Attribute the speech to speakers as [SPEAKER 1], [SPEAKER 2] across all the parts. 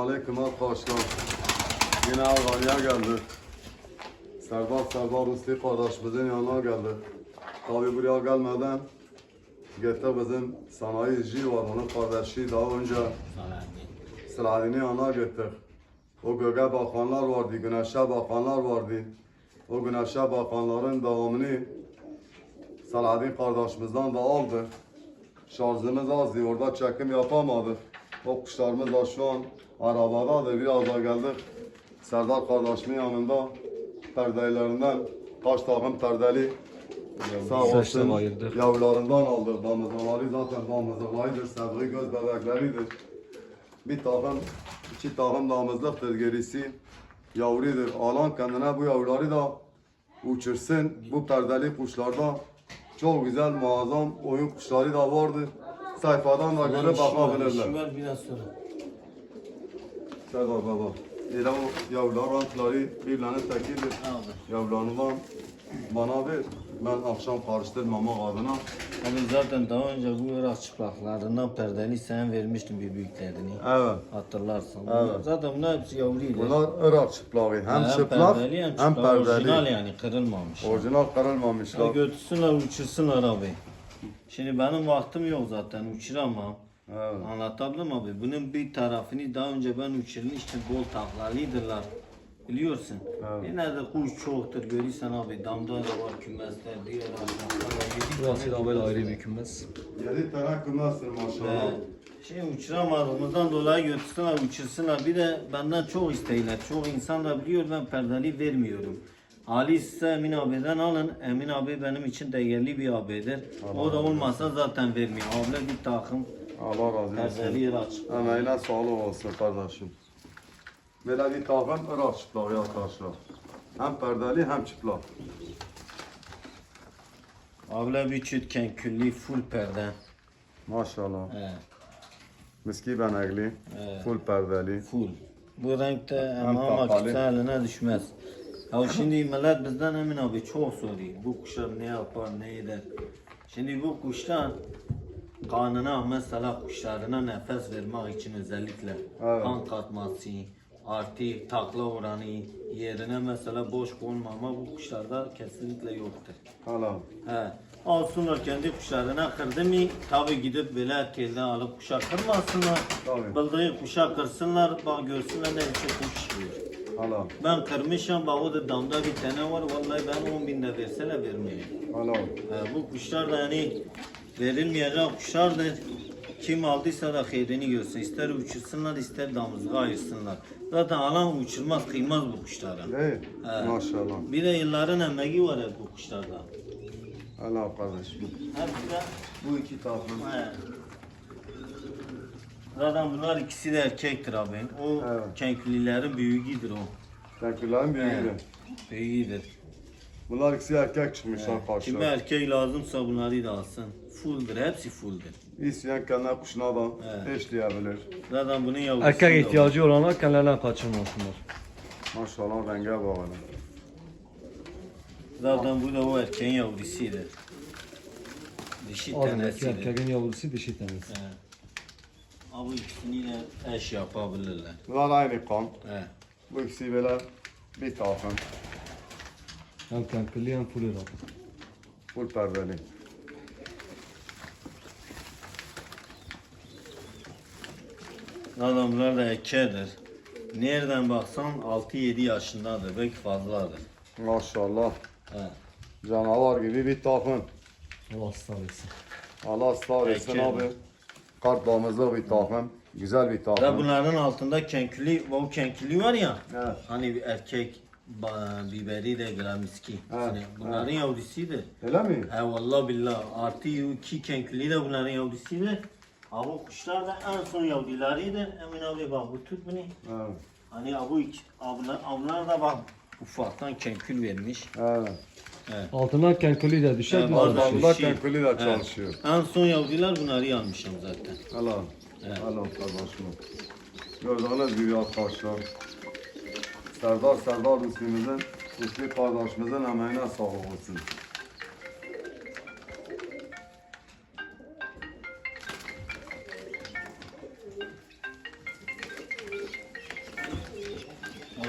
[SPEAKER 1] Selamünaleyküm arkadaşlar. Yine Almanya geldi. Serdar Rusli kardeşimizin yanına geldi. Tabi buraya gelmeden gitti bizim sanayici var, onun kardeşi daha önce Selahattin'in yanına gittik. O göğe bakanlar vardı, güneşe bakanlar vardı. O güneşe bakanların devamını Selahattin kardeşimizden de aldı. Şarjımız azdı, orada çekim yapamadık. O kuşlarımız da şu an arabadadır, biraz da geldik. Serdar kardeşimin yanında perdelerinden kaç takım perdeli sağ olsun yavrularından aldık. Damızlıları zaten damızlılarıdır, sevgi göz bebekleridir. Bir takım, iki takım damızlıktır, gerisi yavrudur. Alan kendine bu yavruları da uçursun. Bu perdeli kuşlarda çok güzel, muazzam oyun kuşları da vardır. Sayfadan da göre bakabilirler.
[SPEAKER 2] Biraz sonra.
[SPEAKER 1] Serdar baba. Elə o yavrular rantları birbirlerine tekidir. Yavrularından bana ver. Ben akşam karıştırmamak adına.
[SPEAKER 2] Abi zaten daha önce bu Irak çıplaklarından perdeli sen vermiştin bir büyüklerini.
[SPEAKER 1] Evet.
[SPEAKER 2] Hatırlarsın.
[SPEAKER 1] Evet.
[SPEAKER 2] Zaten bunlar hepsi yavruydu.
[SPEAKER 1] Bunlar Irak çıplağı. Hem çıplak
[SPEAKER 2] perdeli,
[SPEAKER 1] hem perdeli.
[SPEAKER 2] Orijinal yani kırılmamış.
[SPEAKER 1] Orijinal kırılmamışlar.
[SPEAKER 2] Götürsünler uçursunlar abi. Şimdi benim vaktim yok zaten uçuramam.
[SPEAKER 1] Evet.
[SPEAKER 2] Anlatabildim abi. Bunun bir tarafını daha önce ben uçurmuştum. Bol taklalıydılar. Biliyorsun.
[SPEAKER 1] Evet.
[SPEAKER 2] Yine de kuş çoktur. Görürsen abi damda da var kümesler. Diğer
[SPEAKER 3] Burası da böyle ayrı bir kümes.
[SPEAKER 1] 7 tane kümestir maşallah.
[SPEAKER 2] Uçuramadığımızdan dolayı götürsünler, uçursunlar. Bir de benden çok isteyler. Çok insan da biliyor ben perdeli vermiyorum. Ali size Emin abiden alın. Emin abi benim için değerli bir abidir. O da olmasa zaten vermiyor. Abla bir takım
[SPEAKER 1] Allah razı olsun.
[SPEAKER 2] perdeli yer açık.
[SPEAKER 1] Emeğine sağlık olsun kardeşim. Böyle bir takım Irak çıplağı arkadaşlar. Hem perdeli hem çıplak.
[SPEAKER 2] Abla bir çütken külli full perde.
[SPEAKER 1] Maşallah.
[SPEAKER 2] He,
[SPEAKER 1] Miski benekli. Full perdeli.
[SPEAKER 2] full. Bu renkte
[SPEAKER 1] Hem
[SPEAKER 2] ama
[SPEAKER 1] kapalı.
[SPEAKER 2] kimse eline düşmez. Ya şimdi millet bizden Emin abi çok soruyor. Bu kuşlar ne yapar, ne eder? Şimdi bu kuşlar kanına mesela kuşlarına nefes vermek için özellikle
[SPEAKER 1] Evet.
[SPEAKER 2] kan katması, artı takla oranı yerine mesela boş konmama bu kuşlarda kesinlikle yoktur.
[SPEAKER 1] Hala.
[SPEAKER 2] He. Alsınlar kendi kuşlarına kırdı mı tabi gidip böyle erkeğinden alıp kuşa kırmasınlar.
[SPEAKER 1] Tabii.
[SPEAKER 2] Bildiği kuşa kırsınlar bak görsünler ne biçim kuş çıkıyor.
[SPEAKER 1] Hala.
[SPEAKER 2] Ben kırmışım bak o da damda bir tane var vallahi ben 10.000 de verseler vermeyeyim.
[SPEAKER 1] Hala.
[SPEAKER 2] Bu kuşlar da yani verilmeyecek kuşlardır. Kim aldıysa da hayrini görsün. İster uçursunlar ister damızlığa ayırsınlar. Zaten alan uçurmaz kıymaz bu kuşlara.
[SPEAKER 1] Değil.
[SPEAKER 2] He.
[SPEAKER 1] Maşallah.
[SPEAKER 2] Bir de yılların emeği var hep bu kuşlarda.
[SPEAKER 1] Hala kardeşim.
[SPEAKER 2] Hepsi de
[SPEAKER 1] Bu iki takım.
[SPEAKER 2] he. Zaten bunlar ikisi de erkektir abi. O
[SPEAKER 1] Evet.
[SPEAKER 2] kenklilerin büyüğüdür o.
[SPEAKER 1] Tenküllerin büyüğüydü.
[SPEAKER 2] Büyüğüdür.
[SPEAKER 1] Bunlar ikisi erkek çıkmışlar
[SPEAKER 2] Kime
[SPEAKER 1] karşıya.
[SPEAKER 2] erkek lazımsa bunları da alsın. Fulldir, hepsi fulldir.
[SPEAKER 1] İsteyen kendine kuşuna da
[SPEAKER 2] Evet.
[SPEAKER 1] eşleyebilir.
[SPEAKER 2] Zaten bunun yavrusu
[SPEAKER 3] Erkek
[SPEAKER 2] da var.
[SPEAKER 3] ihtiyacı olanlar kendilerine kaçırmasınlar.
[SPEAKER 1] Maşallah renge bağlı.
[SPEAKER 2] Zaten bu da o erkeğin yavrusudur. Dişi
[SPEAKER 3] Adındaki
[SPEAKER 2] tanesidir.
[SPEAKER 3] erkeğin yavrusu dişi tanesi.
[SPEAKER 2] He. Abi ikisini de eş yapabilirler.
[SPEAKER 1] Bunlar aynı kan.
[SPEAKER 2] He.
[SPEAKER 1] Bu ikisi böyle bir takım.
[SPEAKER 3] Hem kankırlı hem full Irak.
[SPEAKER 1] Full perdeli.
[SPEAKER 2] Zaten bunlar da erkeğidir. Nereden baksan 6-7 yaşındadır, belki fazladır.
[SPEAKER 1] Maşallah.
[SPEAKER 2] He.
[SPEAKER 1] Canavar gibi bir takım.
[SPEAKER 3] Allah ısrar etsin.
[SPEAKER 1] Allah ısrar etsin
[SPEAKER 2] Erkek.
[SPEAKER 1] abi. Kart damızlı bir takım. Güzel bir
[SPEAKER 2] Ve
[SPEAKER 1] takım.
[SPEAKER 2] bunların altında kenkili, bu kenkili var ya.
[SPEAKER 1] Evet.
[SPEAKER 2] Hani bir erkek biberi de gramiski.
[SPEAKER 1] Evet,
[SPEAKER 2] Yani bunların yavrusuydu.
[SPEAKER 1] Öyle mi?
[SPEAKER 2] He vallahi billah. Artı iki kenkili de bunların yavrusuydu. Abi kuşlar da en son yavrularıydı. Emin abi bak bu tut beni.
[SPEAKER 1] Evet.
[SPEAKER 2] Hani ablar da bak ufaktan kenkül vermiş.
[SPEAKER 1] Evet.
[SPEAKER 3] Altına kankırlı da düşer.
[SPEAKER 2] Evet,
[SPEAKER 3] bunlar
[SPEAKER 2] bazen
[SPEAKER 3] düşer.
[SPEAKER 1] Damızda
[SPEAKER 2] şey-
[SPEAKER 1] tenkülü de çalışıyor.
[SPEAKER 2] En son yavrular bunları almışım zaten.
[SPEAKER 1] Allah.
[SPEAKER 2] Evet.
[SPEAKER 1] Allah kardeşim. Gördüğünüz gibi arkadaşlar. Serdar Müslüm'ümüzün, Müslüm kardeşimizin emeğine sağlık olsun.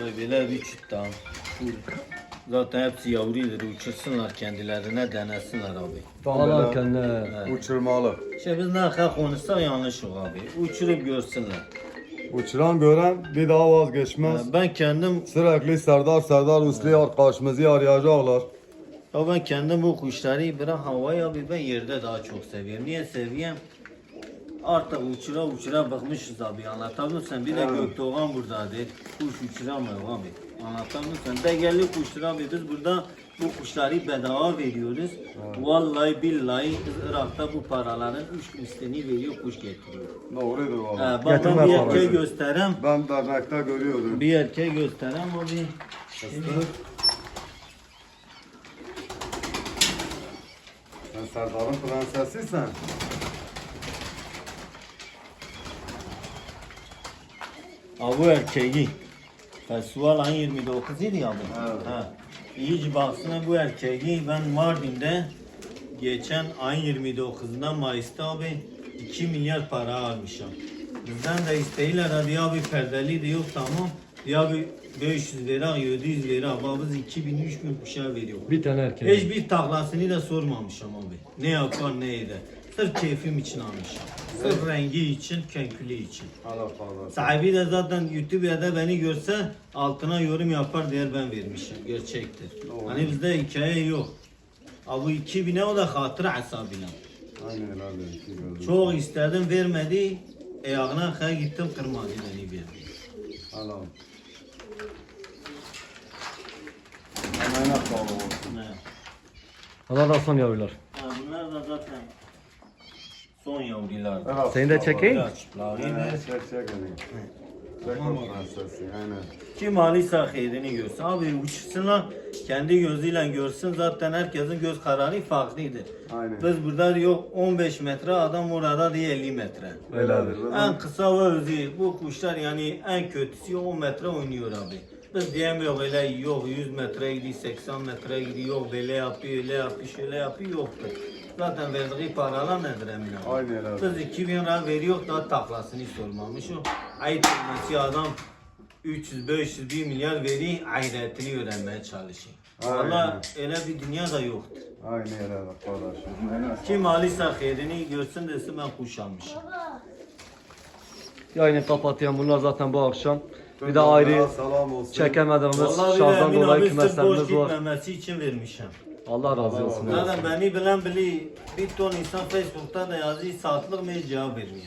[SPEAKER 2] Abi böyle bir çift daha. Zaten hepsi yavrudur. Uçursunlar kendilerine, denesinler abi.
[SPEAKER 1] Tam
[SPEAKER 3] Alarken
[SPEAKER 1] böyle uçurmalı.
[SPEAKER 2] İşte biz ne kadar konuşsak yanlış yok abi. Uçurup görsünler.
[SPEAKER 1] Uçuran gören bir daha vazgeçmez.
[SPEAKER 2] Ben kendim
[SPEAKER 1] Sürekli Serdar Uslu arkadaşımızı arayacaklar.
[SPEAKER 2] Ya ben kendim bu kuşları bırak havaya abi ben yerde daha çok seviyorum. Niye seviyorum? Artık uçura bakmışız abi anlatabiliyor musun? Bir de
[SPEAKER 1] Evet.
[SPEAKER 2] Gökdoğan buradadır. Kuş uçuramıyor abi. Anlatabiliyor musun? Değerli kuşlar abi biz burada bu kuşları bedava veriyoruz. Vallahi billahi Irak'ta bu paraların 3 mislini veriyor kuş getiriyor.
[SPEAKER 1] Doğrudur valla.
[SPEAKER 2] Bak ben
[SPEAKER 3] Getirme
[SPEAKER 2] bir
[SPEAKER 3] parası.
[SPEAKER 2] erkeği göstereyim.
[SPEAKER 1] Ben dernekte görüyordum.
[SPEAKER 2] Bir erkeği göstereyim abi.
[SPEAKER 1] Sen Serdar'ın prensesiysen.
[SPEAKER 2] Bu erkeği. Festival ayın 29 idi ya bu.
[SPEAKER 1] Evet.
[SPEAKER 2] Ha. İyice baksana bu erkeği ben Mardin'de geçen ayın 29'unda Mayıs'ta abi 2 milyar para almışım. Bizden de isteğiyle hadi abi perdeli de yok tamam. Ya abi 500 lira 700 lira ama biz 2000-3000 kuşa veriyor.
[SPEAKER 3] bir tane erkek.
[SPEAKER 2] Hiçbir taklasını da sormamışım abi. Ne yapar ne eder. Sırf keyfim için almışım. Sırf rengi için, kenkülü için.
[SPEAKER 1] Allah Allah.
[SPEAKER 2] Sahibi de zaten YouTube'da beni görse altına yorum yapar diye ben vermişim. Gerçektir.
[SPEAKER 1] Doğru.
[SPEAKER 2] Hani bizde hikaye yok. Abi 2000'e o da hatıra hesabıyla.
[SPEAKER 1] Aynen öyle.
[SPEAKER 2] Çok istedim vermedi. Ayağına kadar gittim kırmadı beni verdi.
[SPEAKER 1] Allah. Hemen sağ olun.
[SPEAKER 2] Ne?
[SPEAKER 3] Allah da son yavrular.
[SPEAKER 2] Ha, bunlar da zaten son yavrular.
[SPEAKER 1] Evet,
[SPEAKER 3] Seni de çekeyim.
[SPEAKER 1] Aynen, çek elini. Çek o prensesi, aynen.
[SPEAKER 2] Kim alıysa hayrini görsün. Abi uçsunlar kendi gözüyle görsün. Zaten herkesin göz kararı farklıdır.
[SPEAKER 1] Aynen.
[SPEAKER 2] Biz burada yok 15 metre adam orada diye 50 metre.
[SPEAKER 1] Öyledir.
[SPEAKER 2] En kısa ve özü bu kuşlar yani en kötüsü 10 metre oynuyor abi. Biz diyemiyor öyle yok 100 metre gidiyor 80 metre gidiyor yok böyle yapıyor öyle yapıyor şöyle yapıyor yoktur. Zaten verdiği paralar nedir emin abi?
[SPEAKER 1] Aynen öyle.
[SPEAKER 2] Biz 2000 lira veriyor daha taklasını sormamış o. Ayıp etmesi adam 300-500 1 milyar veri hayretini öğrenmeye çalışıyor.
[SPEAKER 1] Aynen.
[SPEAKER 2] Valla öyle bir dünya da yoktur.
[SPEAKER 1] Aynen öyle kardeşim. Aynen.
[SPEAKER 2] Kim alırsa hayrini görsün desin ben kuş almışım.
[SPEAKER 3] Yayını kapatayım. Bunlar zaten bu akşam. Bir de
[SPEAKER 1] Tüm
[SPEAKER 3] ayrı
[SPEAKER 1] canlara selam olsun.
[SPEAKER 3] çekemediğimiz
[SPEAKER 2] Vallahi bir de
[SPEAKER 3] şahdan
[SPEAKER 2] Emin
[SPEAKER 3] dolayı
[SPEAKER 2] abi sırf boş
[SPEAKER 3] kümeslerimiz var.
[SPEAKER 2] gitmemesi için vermişim.
[SPEAKER 3] Allah razı olsun.
[SPEAKER 2] Zaten beni bilen bili bir ton insan Facebook'ta da yazıyor saatlik mi cevap vermiyor.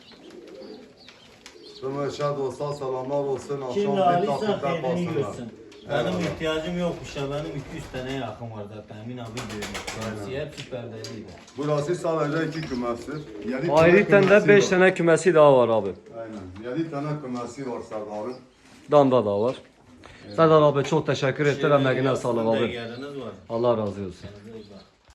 [SPEAKER 1] Tüm eşya dostlar selamlar olsun.
[SPEAKER 2] Kim
[SPEAKER 1] Akşam
[SPEAKER 2] de
[SPEAKER 1] bir
[SPEAKER 2] alırsa
[SPEAKER 1] takipte
[SPEAKER 2] hayrini
[SPEAKER 1] kalsınlar.
[SPEAKER 2] görsün. Benim ihtiyacım yokmuş ya benim 200 tane yakın var zaten Emin abi görmüş. Hepsi perdeliydi.
[SPEAKER 1] Burası sadece 2 kümestir. Yedi tane
[SPEAKER 3] Ayrıca de
[SPEAKER 1] kümesi
[SPEAKER 3] 5
[SPEAKER 1] var.
[SPEAKER 3] tane kümesi daha var abi.
[SPEAKER 1] Aynen. 7 tane kümesi var Serdar'ın.
[SPEAKER 3] Damda da var. Serdar abi çok teşekkür ederim. Emeğine sağlık abi.
[SPEAKER 2] Değeriniz var.
[SPEAKER 3] Allah razı olsun.
[SPEAKER 2] Kendinize iyi bakın.